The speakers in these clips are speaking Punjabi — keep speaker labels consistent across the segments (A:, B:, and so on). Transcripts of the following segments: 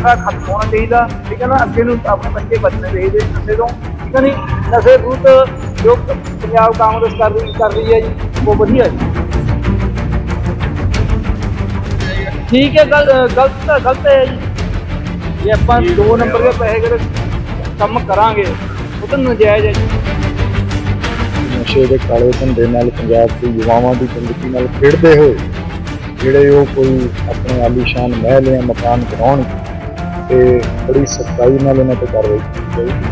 A: ਨਸ਼ਾ ਖਤਮ ਹੋਣਾ ਚਾਹੀਦਾ, ਠੀਕ ਹੈ ਨਾ। ਅੱਗੇ ਨੂੰ ਆਪਣੇ ਬੱਚੇ ਬਚਣੇ ਚਾਹੀਦੇ ਨਸ਼ੇ ਤੋਂ, ਠੀਕ ਹੈ ਨਹੀਂ। ਨਸ਼ੇ ਵਿਰੁੱਧ ਜੋ ਪੰਜਾਬ ਕਾਂਗਰਸ ਕਰ ਰਹੀ ਹੈ ਜੀ, ਉਹ ਵਧੀਆ ਜੀ। ਠੀਕ ਹੈ, ਗਲਤ ਹੈ ਜੀ। ਜੇ ਆਪਾਂ 2 ਨੰਬਰ ਦੇ ਪੈਸੇ ਅਗਰ ਕੰਮ ਕਰਾਂਗੇ ਉਹ ਤਾਂ ਨਜਾਇਜ਼ ਹੈ ਜੀ।
B: ਨਸ਼ੇ ਦੇ ਕਾਲੇ ਧੰਦੇ ਨਾਲ ਪੰਜਾਬ ਦੇ ਯੁਵਾਵਾਂ ਦੀ ਜ਼ਿੰਦਗੀ ਨਾਲ ਖੇਡਦੇ ਹੋਏ ਜਿਹੜੇ ਉਹ ਕੋਈ ਆਪਣੇ ਆਲੀਸ਼ਾਨ ਮਹਿਲ ਜਾਂ ਮਕਾਨ ਬਣਾਉਣ ਤੇ ਬੜੀ ਸਖਤਾਈ ਨਾਲ ਇਹਨਾਂ ਤੇ ਕਾਰਵਾਈ ਕੀਤੀ ਜਾਊਗੀ।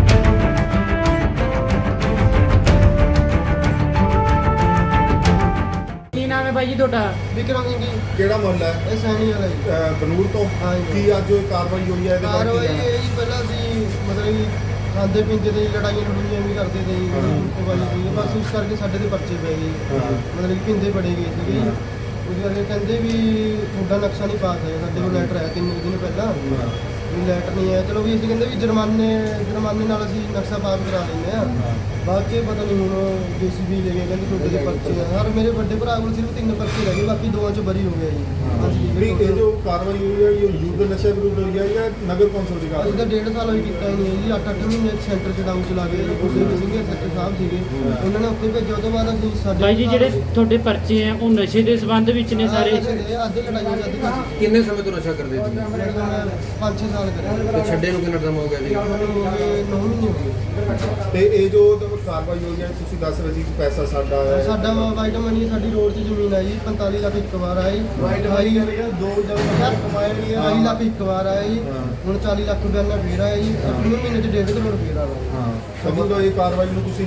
C: ਕੀ ਨਾਮ ਹੈ ਬਾਈ ਜੀ ਤੁਹਾਡਾ?
D: ਵਿਕਰਮ ਸਿੰਘ ਜੀ।
E: ਕਿਹੜਾ ਮੁਹੱਲਾ ਹੈ?
D: ਇਹ ਸੈਣੀ ਵਾਲਾ ਜੀ।
E: ਬਨੂੜ ਤੋਂ।
D: ਹਾਂ ਜੀ।
E: ਕੀ ਅੱਜ ਕਾਰਵਾਈ ਹੋਈ ਹੈ ਇਹਦੇ ਬਾਰੇ ਕੀ
D: ਕਾਰਵਾਈ
E: ਕਹਿਣਾ?
D: ਇਹ ਜੀ ਪਹਿਲਾਂ ਅਸੀਂ ਮਤਲਬ ਕਿ ਖਾਂਦੇ ਪੀਂਦੇ ਤੇ ਲੜਾਈਆਂ ਲੜੂਈਆਂ ਵੀ ਕਰਦੇ ਤੇ ਜੀ, ਕੁੱਟਵਾਈ ਸੀ, ਬਸ ਉਸ ਕਰਕੇ ਸਾਡੇ ਤੇ ਪਰਚੇ ਪੈ ਗਏ। ਮਤਲਬ ਕਿ ਪੀਂਦੇ ਬੜੇ ਗਏ ਸੀਗੇ ਜੀ। ਉਸ ਕਰਕੇ ਕਹਿੰਦੇ ਵੀ ਤੁਹਾਡਾ ਨਕਸ਼ਾ ਨਹੀਂ ਪਾਸ ਹੈ। ਸਾਡੇ ਕੋਲ ਲੈਟਰ ਆਇਆ 3 ਦਿਨ ਪਹਿਲਾਂ ਵੀ ਲੈਟਰ ਨਹੀਂ ਆਇਆ। ਚਲੋ ਵੀ ਅਸੀਂ ਕਹਿੰਦੇ ਵੀ ਜੁਰਮਾਨੇ ਨਾਲ ਅਸੀਂ ਨਕਸ਼ਾ ਪਾਸ ਕਰਾ ਲੈਂਦੇ ਆ। ਬਾਅਦ 'ਚ ਪਤਾ ਨਹੀਂ ਹੁਣ JCB ਲੈ ਗਏ, ਕਹਿੰਦੇ ਤੁਹਾਡੇ ਦੇ ਪਰਚੇ ਆ। ਹਰ ਮੇਰੇ ਵੱਡੇ ਭਰਾ ਕੋਲ ਸਿਰਫ 3 ਪਰਚੇ ਰਹਿ ਗਏ, ਬਾਕੀ 2 'ਚ ਬਰੀ ਹੋ ਗਿਆ ਜੀ।
E: ਨਹੀਂ, ਇਹ ਜੋ ਕਾਰਵਾਈ ਹੋਈ ਹੈ ਇਹ ਯੂਥ ਨਸ਼ੇ ਵਿਰੁੱਧ ਹੋਈ ਹੈ ਜਾਂ ਨਗਰ ਕੌਂਸਲ ਦੀ
D: ਅਸੀਂ
E: ਕਾਰਵਾਈ?
D: ਤਾਂ 1.5 ਸਾਲ ਹੋਈ ਕੀਤਾ ਹੀ ਨਹੀਂ ਹੈ ਜੀ। 8-8 ਮਹੀਨੇ ਸੈਂਟਰ 'ਚ ਡਾਊਨ ਚਲਾ ਗਏ ਜੀ। ਗੁਰਦੇਵ ਸਿੰਘ ਸੱਚੇ ਸਾਹਿਬ ਸੀਗੇ, ਉਹਨਾਂ ਨੇ ਉੱਥੇ ਭੇਜਿਆ। ਉਹ ਤੋਂ ਬਾਅਦ ਅਸੀਂ ਸਾਡੇ
C: ਬਾਈ ਜੀ ਜਿਹੜੇ ਤੁਹਾਡੇ ਪਰਚੇ ਆ ਉਹ ਨਸ਼ੇ ਦੇ ਸੰਬੰਧ ਵਿੱਚ ਨੇ ਸਾਰੇ?
D: ਅੱਧੇ ਲੜਾਈਆਂ ਜਾਂਦੇ ਸੀ।
F: ਕਿੰਨੇ ਸਮੇਂ ਤੋਂ ਨਸ਼ਾ ਕਰਦੇ ਸੀ?
D: 5-6 ਸਾਲ ਕਰੇ
F: ਤੇ ਛੱਡੇ ਨੂੰ ਕਿੰਨਾ ਟਾਈਮ ਹੋ ਗਿਆ ਜੀ?
D: 9 ਮਹੀਨੇ ਹੋ ਗਏ।
E: ਤੇ ਇਹ ਜੋ ਕਾਰਵਾਈ ਹੋਈ ਹੈ ਤੁਸੀਂ ਦੱਸ ਰਹੇ ਸੀ ਕਿ ਪੈਸਾ ਸਾਡਾ ਹੈ।
D: ਸਾਡਾ ਵਾਈਟ ਮਨੀ ਸਾਡੀ ਰੋਡ 'ਚ ਜ਼ਮੀਨ ਆਈ 45 ਲੱਖ ਇੱਕ ਵਾਰ ਆਈ। ਵਾਈਟ ਮਨੀ ਦੋ ਜਗ੍ਹਾ ਕਮਾਇਆ ਨਹੀਂ। 2 ਲੱਖ ਇੱਕ ਵਾਰ ਆਇਆ ਜੀ। ਹੁਣ 40 ਲੱਖ ਰੁਪਏ ਨਾਲ ਫੇਰ ਆਇਆ ਜੀ। ਅਗਲੇ ਮਹੀਨੇ 'ਚ 1.5 ਕਰੋੜ ਫੇਰ ਆਇਆ।
E: ਸਮਝ ਲਓ ਇਹ ਕਾਰਵਾਈ ਨੂੰ ਤੁਸੀਂ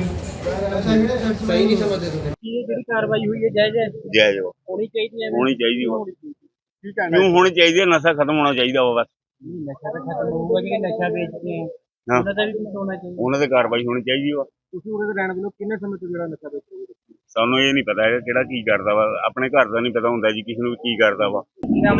F: ਸਹੀ ਨਹੀਂ ਸਮਝਦੇ ਤੁਸੀਂ?
C: ਕੀ ਜਿਹੜੀ ਕਾਰਵਾਈ ਹੋਈ ਹੈ ਜਾਇਜ਼ ਹੈ?
G: ਜਾਇਜ਼ ਵਾ,
C: ਹੋਣੀ ਚਾਹੀਦੀ ਹੈ?
G: ਹੋਣੀ ਚਾਹੀਦੀ ਵਾ।
C: ਕੀ ਕਹਿਣਾ?
G: ਕਿਉਂ ਹੋਣੀ ਚਾਹੀਦੀ ਹੈ? ਨਸ਼ਾ ਖਤਮ ਹੋਣਾ ਚਾਹੀਦਾ ਵਾ ਬਸ।
C: ਨਸ਼ਾ ਤਾਂ ਖਤਮ ਹੋਊਗਾ ਜਿਹੜੇ ਨਸ਼ਾ ਵੇਚਦੇ ਆ
G: ਹਾਂ।
C: ਉਹਨਾਂ ਦਾ ਵੀ ਕੁਝ ਹੋਣਾ ਚਾਹੀਦਾ।
G: ਉਹਨਾਂ ਤੇ ਕਾਰਵਾਈ ਹੋਣੀ ਚਾਹੀਦੀ ਵਾ।
C: ਤੁਸੀਂ ਉਹਦੇ ਰਹਿਣ ਵੱਲੋਂ ਕਿੰਨੇ ਸਮੇਂ ਤੋਂ ਜਿਹੜਾ ਨਸ਼ਾ ਵੇਚ ਰਹੇ ਹੋ?
G: ਸਾਨੂੰ ਇਹ ਨਹੀਂ ਪਤਾ ਹੈਗਾ ਕਿਹੜਾ ਕੀ ਕਰਦਾ ਵਾ। ਆਪਣੇ ਘਰ ਦਾ ਨਹੀਂ ਪਤਾ ਹੁੰਦਾ ਜੀ ਕਿਸੇ ਨੂੰ ਕੀ ਕਰਦਾ ਵਾ।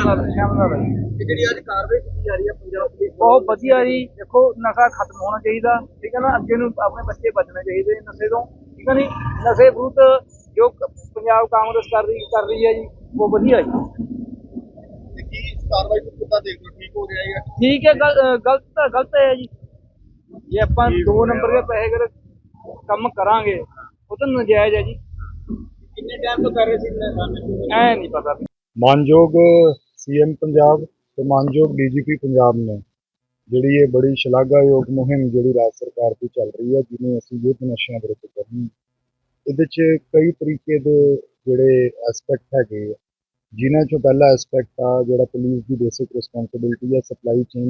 A: ਜਿਹੜੀ ਅੱਜ ਕਾਰਵਾਈ ਕੀਤੀ ਜਾ ਰਹੀ ਹੈ ਪੰਜਾਬ ਪੁਲਿਸ ਬਹੁਤ ਵਧੀਆ ਜੀ। ਦੇਖੋ ਨਸ਼ਾ ਖਤਮ ਹੋਣਾ ਚਾਹੀਦਾ, ਠੀਕ ਹੈ ਨਾ। ਅੱਗੇ ਨੂੰ ਆਪਣੇ ਬੱਚੇ ਬਚਣੇ ਚਾਹੀਦੇ ਨਸ਼ੇ ਤੋਂ, ਠੀਕ ਹੈ ਨਹੀਂ। ਨਸ਼ੇ ਵਿਰੁੱਧ ਜੋ ਪੰਜਾਬ ਕਾਂਗਰਸ ਕਰ ਰਹੀ ਹੈ ਜੀ, ਉਹ ਵਧੀਆ ਜੀ।
E: ਕੀ ਕਾਰਵਾਈ ਨੂੰ ਕਿੱਦਾਂ ਦੇਖ ਲਓ? ਠੀਕ ਹੋ ਗਿਆ ਹੈ?
A: ਠੀਕ ਹੈ, ਗਲਤ ਹੈ ਜੀ। ਜੇ ਆਪਾਂ 2 ਨੰਬਰ ਦੇ ਪੈਸੇ ਅਗਰ ਕੰਮ ਕਰਾਂਗੇ ਉਹ ਤਾਂ ਨਜਾਇਜ਼ ਹੈ ਜੀ। ਕਿੰਨੇ ਟਾਈਮ ਤੋਂ ਕਰ ਰਹੇ ਸੀ ਐ ਨਹੀਂ ਪਤਾ।
B: ਮਾਨਯੋਗ CM ਪੰਜਾਬ ਤੇ ਮਾਨਯੋਗ DGP ਪੰਜਾਬ ਨੇ ਜਿਹੜੀ ਇਹ ਬੜੀ ਸ਼ਲਾਘਾਯੋਗ ਮੁਹਿੰਮ ਜਿਹੜੀ ਰਾਜ ਸਰਕਾਰ ਦੀ ਚੱਲ ਰਹੀ ਹੈ, ਜਿਹਨੂੰ ਅਸੀਂ ਯੁੱਧ ਨਸ਼ਿਆਂ ਵਿਰੁੱਧ ਕਰਨੀ, ਇਹਦੇ 'ਚ ਕਈ ਤਰੀਕੇ ਦੇ ਜਿਹੜੇ ਐਸਪੈਕਟ ਹੈਗੇ ਆ, ਜਿਨ੍ਹਾਂ 'ਚੋਂ ਪਹਿਲਾ ਐਸਪੈਕਟ ਆ ਜਿਹੜਾ ਪੁਲਿਸ ਦੀ ਬੇਸਿਕ ਰਿਸਪੌਂਸਿਬਿਲਿਟੀ ਹੈ ਸਪਲਾਈ ਚੇਨ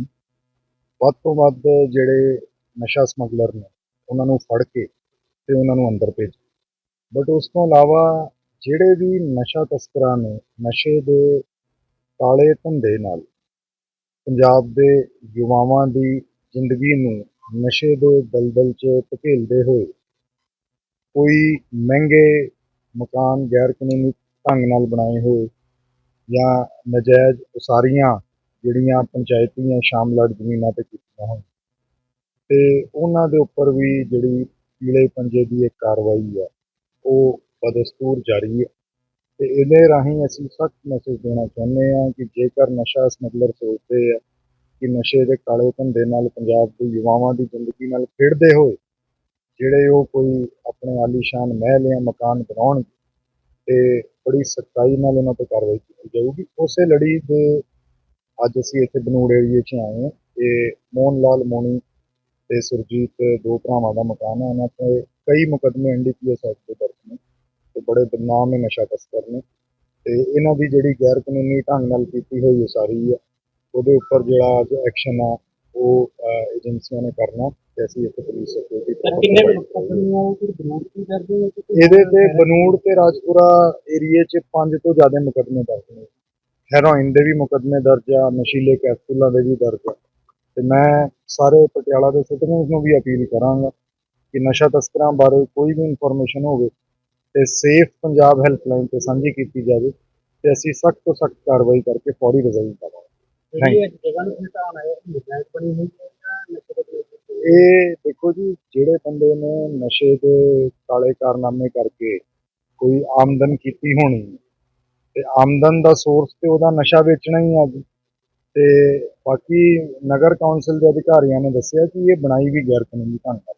B: ਤੋਂ ਵੱਧ ਜਿਹੜੇ ਨਸ਼ਾ ਸਮਗਲਰ ਨੇ ਉਹਨਾਂ ਨੂੰ ਫੜ ਕੇ ਤੇ ਉਹਨਾਂ ਨੂੰ ਅੰਦਰ ਭੇਜ। ਬਟ ਉਸ ਤੋਂ ਇਲਾਵਾ ਜਿਹੜੇ ਵੀ ਨਸ਼ਾ ਤਸਕਰਾਂ ਨੇ ਨਸ਼ੇ ਦੇ ਕਾਲੇ ਧੰਦੇ ਨਾਲ ਪੰਜਾਬ ਦੇ ਯੁਵਾਵਾਂ ਦੀ ਜ਼ਿੰਦਗੀ ਨੂੰ ਨਸ਼ੇ ਦੇ ਦਲਦਲ 'ਚ ਧਕੇਲਦੇ ਹੋਏ ਕੋਈ ਮਹਿੰਗੇ ਮਕਾਨ ਗੈਰ ਕਾਨੂੰਨੀ ਢੰਗ ਨਾਲ ਬਣਾਏ ਹੋਏ ਜਾਂ ਨਜਾਇਜ਼ ਉਸਾਰੀਆਂ ਜਿਹੜੀਆਂ ਪੰਚਾਇਤੀ ਜਾਂ ਸ਼ਾਮਲਾਟ ਜ਼ਮੀਨਾਂ 'ਤੇ ਕੀਤੀਆਂ ਹੋਣ, ਤੇ ਉਹਨਾਂ ਦੇ ਉੱਪਰ ਵੀ ਜਿਹੜੀ ਪੀਲੇ ਪੰਜੇ ਦੀ ਇੱਕ ਕਾਰਵਾਈ ਹੈ ਉਹ ਬਦਸਤੂਰ ਜਾਰੀ ਹੈ। ਤੇ ਇਹਦੇ ਰਾਹੀਂ ਅਸੀਂ ਸਖਤ ਮੈਸੇਜ ਦੇਣਾ ਚਾਹੁੰਦੇ ਹਾਂ ਕਿ ਜੇਕਰ ਨਸ਼ਾ ਸਮਗਲਰ ਸੋਚਦੇ ਆ ਕਿ ਨਸ਼ੇ ਦੇ ਕਾਲੇ ਧੰਦੇ ਨਾਲ ਪੰਜਾਬ ਦੇ ਯੁਵਾਵਾਂ ਦੀ ਜ਼ਿੰਦਗੀ ਨਾਲ ਖੇਡਦੇ ਹੋਏ ਜਿਹੜੇ ਉਹ ਕੋਈ ਆਪਣੇ ਆਲੀਸ਼ਾਨ ਮਹਿਲ ਜਾਂ ਮਕਾਨ ਬਣਾਉਣ ਤੇ ਬੜੀ ਸਖਤਾਈ ਨਾਲ ਉਹਨਾਂ 'ਤੇ ਕਾਰਵਾਈ ਕੀਤੀ ਜਾਊਗੀ। ਉਸੇ ਲੜੀ ਦੇ ਅੱਜ ਅਸੀਂ ਇੱਥੇ ਬਨੂੜ ਏਰੀਏ 'ਚ ਆਏ ਹਾਂ। ਇਹ ਮੋਹਨ ਲਾਲ ਮੋਣੀ ਤੇ ਸੁਰਜੀਤ 2 ਭਰਾਵਾਂ ਦਾ ਮਕਾਨ ਹੈ। ਉਹਨਾਂ 'ਤੇ ਕਈ ਮੁਕੱਦਮੇ NDPS ਐਕਟ ਦੇ ਦਰਜ ਨੇ ਤੇ ਬੜੇ ਬਦਨਾਮ ਨਸ਼ਾ ਤਸਕਰ ਨੇ, ਤੇ ਇਹਨਾਂ ਦੀ ਜਿਹੜੀ ਗੈਰ ਕਾਨੂੰਨੀ ਢੰਗ ਨਾਲ ਕੀਤੀ ਹੋਈ ਉਸਾਰੀ ਹੈ ਉਹਦੇ ਉੱਪਰ ਜਿਹੜਾ ਅੱਜ ਐਕਸ਼ਨ ਆ ਉਹ ਏਜੰਸੀਆਂ ਨੇ ਕਰਨਾ ਤੇ ਅਸੀਂ ਇੱਥੇ ਪੁਲਿਸ ਸਿਕਿਉਰਿਟੀ ਇਹਦੇ ਤੇ ਬਨੂੜ ਤੇ ਰਾਜਪੁਰਾ ਏਰੀਏ 'ਚ 5 ਤੋਂ ਜ਼ਿਆਦਾ ਮੁਕੱਦਮੇ ਦਰਜ ਨੇ। ਹੈਰੋਇਨ ਦੇ ਵੀ ਮੁਕੱਦਮੇ ਦਰਜ ਆ, ਨਸ਼ੀਲੇ ਕੈਪਸੂਲਾਂ ਦੇ ਵੀ ਦਰਜ ਆ। ਤੇ ਮੈਂ ਸਾਰੇ ਪਟਿਆਲਾ ਦੇ ਸਿਟੀਜ਼ਨਸ ਨੂੰ ਵੀ ਅਪੀਲ ਕਰਾਂਗਾ ਕਿ ਨਸ਼ਾ ਤਸਕਰਾਂ ਬਾਰੇ ਕੋਈ ਵੀ ਇਨਫੋਰਮੇਸ਼ਨ ਹੋਵੇ ਤੇ ਸੇਫ ਪੰਜਾਬ ਹੈਲਪਲਾਈਨ ਤੇ ਸਾਂਝੀ ਕੀਤੀ ਜਾਵੇ ਤੇ ਅਸੀਂ ਸਖਤ ਤੋਂ ਸਖਤ ਕਾਰਵਾਈ ਕਰਕੇ ਫੌਰੀ ਰਿਜ਼ਲਟ ਪਾਵਾਂਗੇ। ਇਹ ਦੇਖੋ ਜੀ, ਜਿਹੜੇ ਬੰਦੇ ਨੇ ਨਸ਼ੇ ਦੇ ਕਾਲੇ ਕਾਰਨਾਮੇ ਕਰਕੇ ਕੋਈ ਆਮਦਨ ਕੀਤੀ ਹੋਣੀ ਤੇ ਆਮਦਨ ਦਾ ਸੋਰਸ ਤੇ ਉਹਦਾ ਨਸ਼ਾ ਵੇਚਣਾ ਹੀ ਆ ਜੀ। ਤੇ ਬਾਕੀ ਨਗਰ ਕੌਂਸਲ ਦੇ ਅਧਿਕਾਰੀਆਂ ਨੇ ਦੱਸਿਆ ਕਿ ਇਹ ਬਣਾਈ ਵੀ ਗੈਰ ਕਾਨੂੰਨੀ ਢੰਗ ਨਾਲ